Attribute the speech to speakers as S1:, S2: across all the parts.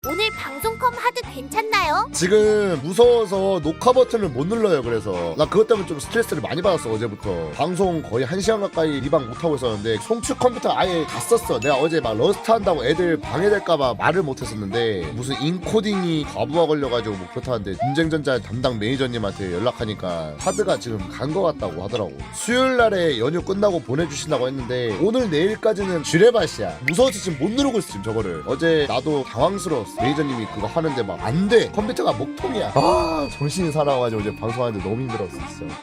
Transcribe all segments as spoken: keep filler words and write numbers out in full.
S1: 오늘 방송컴 하드 괜찮나요?
S2: 지금 무서워서 녹화 버튼을 못 눌러요. 그래서 나 그것 때문에 좀 스트레스를 많이 받았어. 어제부터 방송 거의 한 시간 가까이 리방 못하고 있었는데 송출 컴퓨터 아예 다 썼어. 내가 어제 막 러스트 한다고 애들 방해될까봐 말을 못했었는데 무슨 인코딩이 과부하 걸려가지고 뭐 그렇다는데 문쟁전자 담당 매니저님한테 연락하니까 하드가 지금 간 거 같다고 하더라고. 수요일날에 연휴 끝나고 보내주신다고 했는데 오늘 내일까지는 쥐레밭이야. 무서워서 지금 못 누르고 있어 지금 저거를. 어제 나도 당황스러웠어. 매니저님이 그거 하는데 막 안 돼. 컴퓨터가 먹통이야. 아 정신이 사나워가지고 어제 방송하는데 너무 힘들었어 진짜.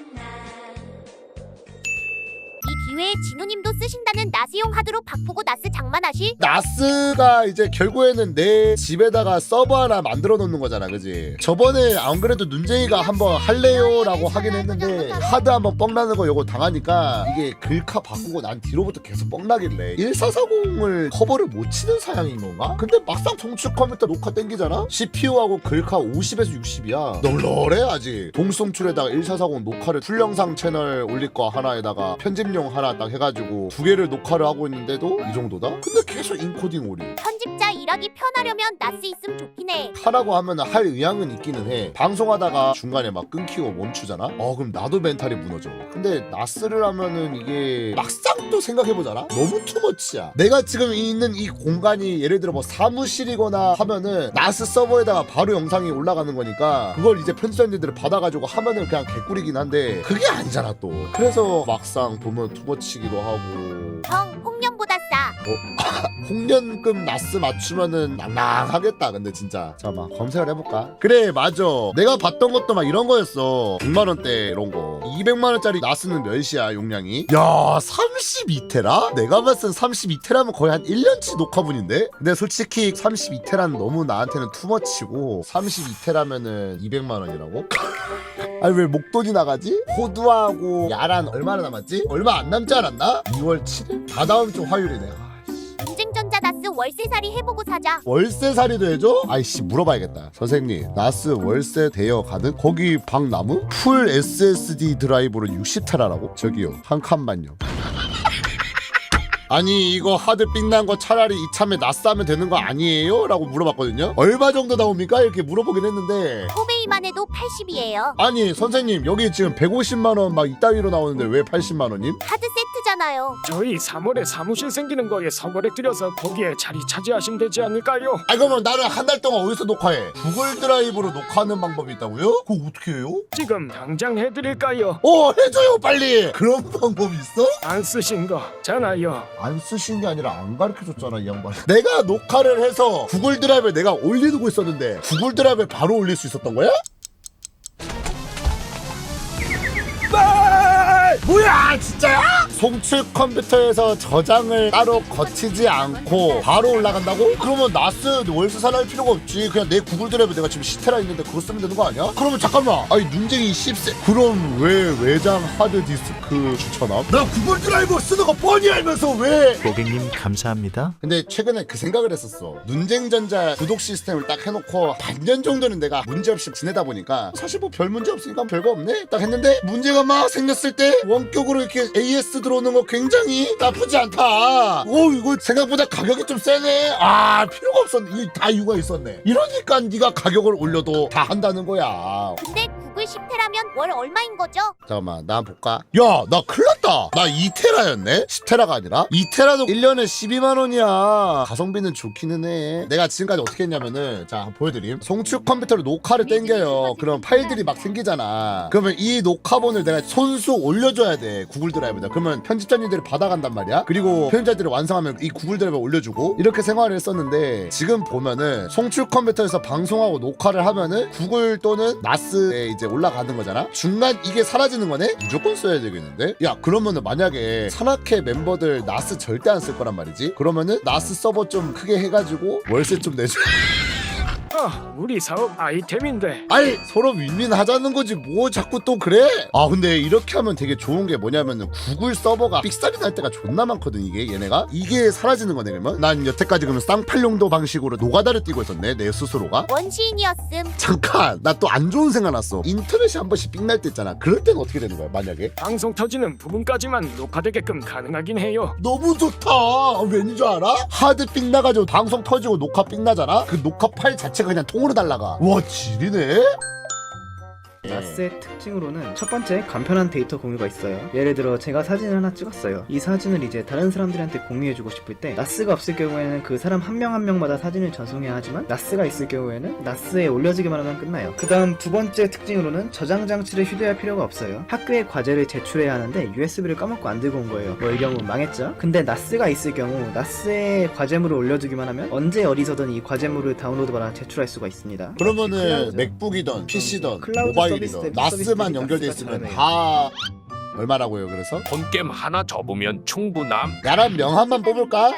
S1: 이 기회에 진우님도 쓰신다는 나스용 하드로 바꾸고 나스 장만하실?
S2: 나스가 이제 결국에는 내 집에다가 서버 하나 만들어 놓는 거잖아, 그지? 저번에 안 그래도 눈쟁이가 한번 할래요? 라고 하긴 했는데 하드 한번 뻥나는 거 요거 당하니까 이게 글카 바꾸고 난 뒤로부터 계속 뻥나길래 일사사공을 커버를 못 치는 사양인 건가? 근데 막상 정축 컴퓨터 녹화 땡기잖아? 씨피유하고 글카 오십에서 육십이야 널널해 아직. 동송출에다가 일사사공 녹화를 풀영상 채널 올릴 거 하나에다가 편집용 하나 딱 해가지고 두 개를 녹화를 하고 있는데도 이 정도다? 근데 계속 인코딩 오류.
S1: 편집자 일하기 편하려면 나스 있음 좋긴 해.
S2: 하라고 하면 할 의향은 있기는 해. 방송하다가 중간에 막 끊기고 멈추잖아? 어 그럼 나도 멘탈이 무너져. 근데 나스를 하면은 이게 막상 또 생각해보잖아? 너무 투머치야. 내가 지금 있는 이 공간이 예를 들어 뭐 사무실이거나 하면은 나스 서버에다가 바로 영상이 올라가는 거니까 그걸 이제 편집자님들을 받아가지고 하면은 그냥 개꿀이긴 한데 그게 아니잖아 또. 그래서 막상 보면 투머치기도 하고.
S1: 형 홍련보다 싸.
S2: 어? 홍련금 나스 맞추면은 낭낭하겠다. 근데 진짜 잠깐만 검색을 해볼까? 그래 맞아. 내가 봤던 것도 막 이런 거였어. 백만 원대 이런 거. 이백만 원짜리 나스는 몇이야 용량이? 야 삼십이 테라? 내가 봤을 땐 삼십이 테라면 거의 한 일 년치 녹화분인데? 근데 솔직히 삼십이 테라는 너무 나한테는 투머치고 삼십이 테라면은 이백만 원이라고? 아니 왜 목돈이 나가지? 호두하고 야란 얼마나 남았지? 얼마 안 남지 않았나? 이월 칠일? 다다음 주 화요일이네.
S1: 문쟁전자 나스 월세살이 해보고 사자.
S2: 월세살이도 해줘? 아이씨 물어봐야겠다. 선생님 나스 월세 대여 가능? 거기 방 나무? 풀 에스에스디 드라이브로 육십 테라라고? 저기요 한 칸만요. 아니 이거 하드 삥난 거 차라리 이참에 나스 하면 되는 거 아니에요? 라고 물어봤거든요. 얼마 정도 나옵니까? 이렇게 물어보긴 했는데
S1: 코베이만 해도 팔십이에요.
S2: 아니 선생님 여기 지금 백오십만 원 막 이따위로 나오는데 왜 팔십만 원임?
S1: 하드 세트잖아요.
S3: 저희 삼월에 사무실 생기는 거에 서거래 드려서 거기에 자리 차지하시면 되지 않을까요?
S2: 아 그러면 나는 한 달 동안 어디서 녹화해? 구글 드라이브로 녹화하는 방법이 있다고요? 그거 어떻게 해요?
S3: 지금 당장 해드릴까요?
S2: 어 해줘요 빨리. 그런 방법이 있어?
S3: 안 쓰신 거잖아요.
S2: 안 쓰신 게 아니라 안 가르쳐줬잖아 이 양반. 내가 녹화를 해서 구글 드라이브에 내가 올리고 있었는데 구글 드라이브에 바로 올릴 수 있었던 거야? 뭐야 진짜야? 송출 컴퓨터에서 저장을 따로 거치지 않고 바로 올라간다고? 그러면 나스 월세 살할 필요가 없지. 그냥 내 구글 드라이브 내가 지금 십 테라 있는데 그거 쓰면 되는 거 아니야? 그러면 잠깐만 아니 눈쟁이 십 세 그럼 왜 외장 하드디스크 추천함? 나 구글 드라이브 쓰는 거 뻔히 알면서 왜?
S4: 고객님 감사합니다.
S2: 근데 최근에 그 생각을 했었어. 눈쟁전자 구독 시스템을 딱 해놓고 반년 정도는 내가 문제없이 지내다 보니까 사실 뭐 별 문제 없으니까 별거 없네 딱 했는데 문제가 막 생겼을 때 원격으로 이렇게 에이에스 들어오는 거 굉장히 나쁘지 않다. 오 이거 생각보다 가격이 좀 세네. 아 필요가 없었네. 이게 다 이유가 있었네. 이러니까 네가 가격을 올려도 다 한다는 거야.
S1: 근데 구글 십 테라면 월 얼마인 거죠?
S2: 잠깐만 나 한번 볼까? 야 나 큰일 났다. 나 이 테라였네? 십 테라가 아니라? 이 테라도 일 년에 십이만 원이야. 가성비는 좋기는 해. 내가 지금까지 어떻게 했냐면은 자 한번 보여드림. 송출 컴퓨터로 녹화를 땡겨요. 그럼 파일들이 막 생기잖아. 그러면 이 녹화본을 내가 손수 올려줘야 돼 구글 드라이브에다. 그러면 편집자님들이 받아간단 말이야. 그리고 편집자들이 완성하면 이 구글 드라이브에 올려주고 이렇게 생활을 했었는데 지금 보면은 송출 컴퓨터에서 방송하고 녹화를 하면은 구글 또는 나스에 이제 올라가는 거잖아. 중간 이게 사라지는 거네? 무조건 써야 되겠는데? 야 그러면은 만약에 산악회 멤버들 나스 절대 안 쓸 거란 말이지. 그러면은 나스 서버 좀 크게 해가지고 월세 좀 내줘.
S3: 아, 우리 사업 아이템인데.
S2: 아니 서로 윈윈하자는 거지 뭐 자꾸 또 그래? 아 근데 이렇게 하면 되게 좋은 게 뭐냐면은 구글 서버가 삑살이 날 때가 존나 많거든. 이게 얘네가 이게 사라지는 거네. 그러면 난 여태까지 그러면 쌍팔용도 방식으로 노가다를 뛰고 있었네 내 스스로가.
S1: 원시인이었음.
S2: 잠깐 나 또 안 좋은 생각 났어. 인터넷이 한 번씩 삑날 때 있잖아. 그럴 때는 어떻게 되는 거야 만약에?
S3: 방송 터지는 부분까지만 녹화되게끔 가능하긴 해요.
S2: 너무 좋다. 왠 줄 알아? 하드 삑 나가지고 방송 터지고 녹화 삑 나잖아. 그 녹화 파일 자체가 그냥 통으로 날라가. 와 지리네.
S4: 나스의 특징으로는 첫 번째 간편한 데이터 공유가 있어요. 예를 들어 제가 사진을 하나 찍었어요. 이 사진을 이제 다른 사람들한테 공유해주고 싶을 때 나스가 없을 경우에는 그 사람 한 명 한 명마다 사진을 전송해야 하지만 나스가 있을 경우에는 나스에 올려지기만 하면 끝나요. 그 다음 두 번째 특징으로는 저장 장치를 휴대할 필요가 없어요. 학교에 과제를 제출해야 하는데 유에스비를 까먹고 안 들고 온 거예요. 뭐 이 경우 망했죠? 근데 나스가 있을 경우 나스에 과제물을 올려두기만 하면 언제 어디서든 이 과제물을 다운로드 받아 제출할 수가 있습니다.
S2: 그러면
S4: 클라우드.
S2: 맥북이든 피시든
S4: 클라우드
S2: 모바일이든
S4: 서비스
S2: 나스만
S4: 서비스들이
S2: 연결돼
S4: 나스가
S2: 있으면
S4: 다르네요.
S2: 다 얼마라고요? 그래서
S5: 본겜 하나 접으면 충분함.
S2: 야란 명함만 뽑을까?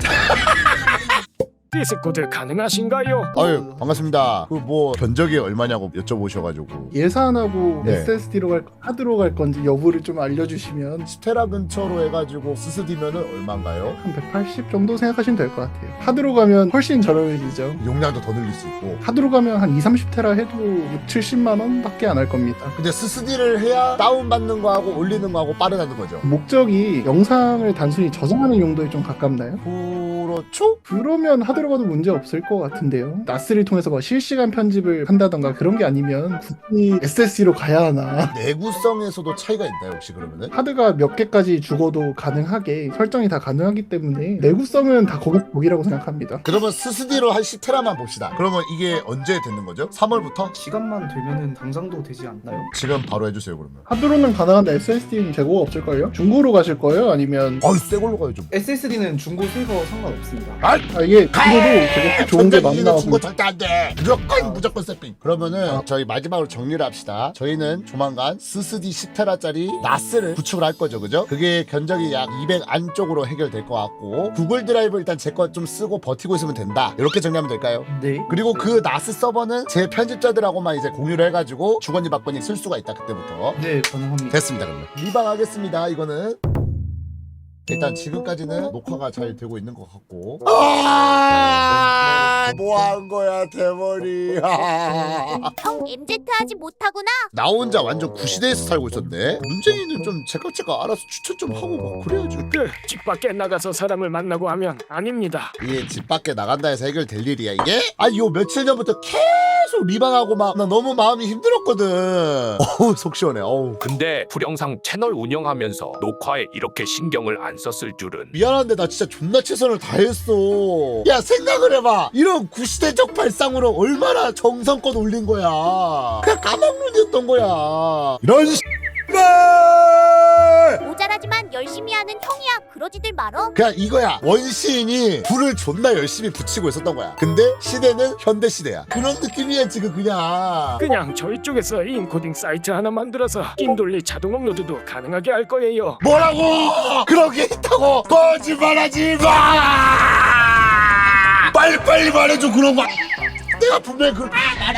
S3: 디스코드 가능하신가요?
S2: 아유 반갑습니다. 그 뭐 견적이 얼마냐고 여쭤보셔가지고
S6: 예산하고
S2: 네.
S6: 에스에스디로 갈 하드로 갈 건지 여부를 좀 알려주시면
S2: 스테라 근처로 해가지고 스스디면은 얼마인가요?
S6: 한 백팔십 정도 생각하시면 될 것 같아요. 하드로 가면 훨씬 저렴해지죠.
S2: 용량도 더 늘릴 수 있고.
S6: 하드로 가면 한 이, 삼십 테라 해도 육, 칠십만 원밖에 안 할 겁니다.
S2: 근데 스스디를 해야 다운받는 거하고 올리는 거하고 빠르다는 거죠.
S6: 목적이 영상을 단순히 저장하는 용도에 좀 가깝나요?
S2: 그렇죠?
S6: 그러면 하드로 가도 문제 없을 것 같은데요. 나스를 통해서 뭐 실시간 편집을 한다던가 그런 게 아니면 굳이 에스에스디로 가야 하나.
S2: 내구성에서도 차이가 있나요 혹시 그러면은?
S6: 하드가 몇 개까지 죽어도 가능하게 설정이 다 가능하기 때문에 내구성은 다 거기 거기라고 생각합니다.
S2: 그러면 스스디로 한 십 테라만 봅시다. 그러면 이게 언제 되는 거죠? 삼월부터?
S4: 시간만 되면은 당장도 되지 않나요?
S2: 지금 바로 해주세요 그러면.
S6: 하드로는 가능한데 에스에스디는 재고가 없을걸요? 중고로 가실 거예요? 아니면
S2: 아유 새 걸로 가야죠.
S4: 에스에스디는 중고 새거 상관없습니다.
S2: 아
S6: 아 이게 중고도 되게 좋은 게 많이 나와서
S2: 중고 절대 안 돼. 무조건
S6: 아.
S2: 무조건 세핑. 그러면은
S6: 아.
S2: 저희 마지막으로 정리를 합시다. 저희는 조만간 스스디 십 테라짜리 나스를 구축을 할 거죠, 그죠? 그게 견적이 약 이백 안쪽으로 해결될 것 같고 구글 드라이브 일단 제 거 좀 쓰고 버티고 있으면 된다. 이렇게 정리하면 될까요?
S4: 네.
S2: 그리고 그 나스 서버는 제 편집자들하고만 이제 공유를 해가지고 주거니 받거니 쓸 수가 있다 그때부터.
S4: 네, 가능합니다.
S2: 됐습니다 그러면. 리방하겠습니다 이거는. 일단 지금까지는 녹화가 잘 되고 있는 것 같고. 아, 뭐 한 거야 대머리.
S1: 형 엠제트 하지 못하구나.
S2: 나 혼자 완전 구시대에서 살고 있었네. 문재인은 좀 제가 제가 알아서 추천 좀 하고 막 그래야지.
S3: 그 집 밖에 나가서 사람을 만나고 하면 아닙니다.
S2: 이게 집 밖에 나간다 해서 해결될 일이야 이게? 아니 요 며칠 전부터 계속 리방하고 막 나 너무 마음이 힘들었거든. 어우 속 시원해. 어우.
S5: 근데 불영상 채널 운영하면서 녹화에 이렇게 신경을 안 썼을 줄은.
S2: 미안한데 나 진짜 존나 최선을 다했어. 야 생각을 해봐. 이런 구시대적 발상으로 얼마나 정성껏 올린 거야. 그냥 까막눈이었던 거야. 이런 씨발.
S1: 모자라지만 열심히 하는 형이야. 그러지들 말어.
S2: 그냥 이거야. 원시인이 불을 존나 열심히 붙이고 있었던 거야. 근데 시대는 현대 시대야. 그런 느낌이야 지금 그냥.
S3: 그냥 저희 쪽에서 인코딩 사이트 하나 만들어서 낀돌리 자동 업로드도 가능하게 할 거예요.
S2: 뭐라고? 그런 게 있다고? 거짓말하지 마! 빨리빨리 말해줘 그런 거. 내가 분명히 그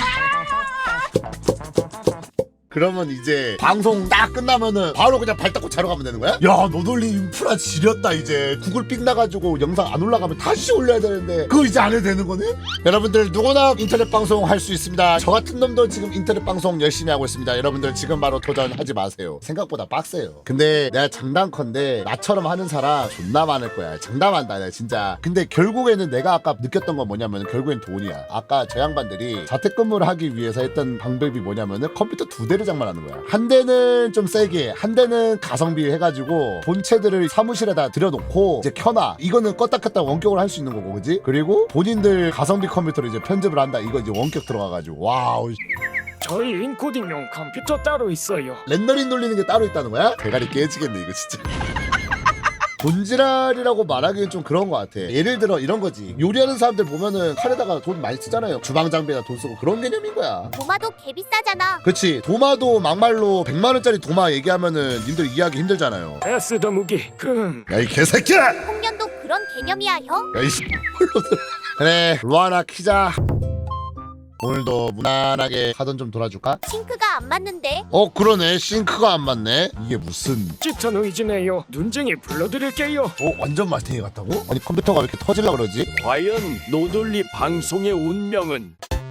S2: 그러면 이제 방송 딱 끝나면은 바로 그냥 발 닦고 자러 가면 되는 거야? 야 노돌리 인프라 지렸다 이제. 구글 삑 나가지고 영상 안 올라가면 다시 올려야 되는데 그거 이제 안 해도 되는 거네? 여러분들 누구나 인터넷 방송 할 수 있습니다. 저 같은 놈도 지금 인터넷 방송 열심히 하고 있습니다. 여러분들 지금 바로 도전하지 마세요. 생각보다 빡세요. 근데 내가 장담컨대 나처럼 하는 사람 존나 많을 거야. 장담한다 내가 진짜. 근데 결국에는 내가 아까 느꼈던 건 뭐냐면 결국엔 돈이야. 아까 저 양반들이 자택근무를 하기 위해서 했던 방법이 뭐냐면은 컴퓨터 두 대를 장만하는 거야. 한 대는 좀 세게, 한 대는 가성비 해가지고 본체들을 사무실에다 들여놓고 이제 켜놔. 이거는 껐다 켰다 원격으로 할 수 있는 거고, 그지? 그리고 본인들 가성비 컴퓨터로 이제 편집을 한다. 이거 이제 원격 들어가가지고 와우.
S3: 저희 인코딩용 컴퓨터 따로 있어요.
S2: 렌더링 돌리는 게 따로 있다는 거야? 대가리 깨지겠네 이거 진짜. 돈지랄이라고 말하기엔 좀 그런 것 같아. 예를 들어 이런 거지. 요리하는 사람들 보면은 칼에다가 돈 많이 쓰잖아요. 주방 장비에다 돈 쓰고 그런 개념인 거야.
S1: 도마도 개 비싸잖아.
S2: 그치. 도마도 막말로 백만 원짜리 도마 얘기하면은 님들 이해하기 힘들잖아요.
S3: 에스 더무기 금.
S2: 야 이 개새끼야!
S1: 홍련도 그런 개념이야 형.
S2: 야이 씨. 그래 루아나 키자. 오늘도 무난하게 하던 좀 돌아줄까?
S1: 싱크가 안 맞는데.
S2: 어 그러네 싱크가 안 맞네. 이게 무슨
S3: 짙은 의지네요. 눈쟁이 불러드릴게요.
S2: 어 완전 마탱이 같다고? 아니 컴퓨터가 왜 이렇게 터질라 그러지?
S7: 과연 노돌리 방송의 운명은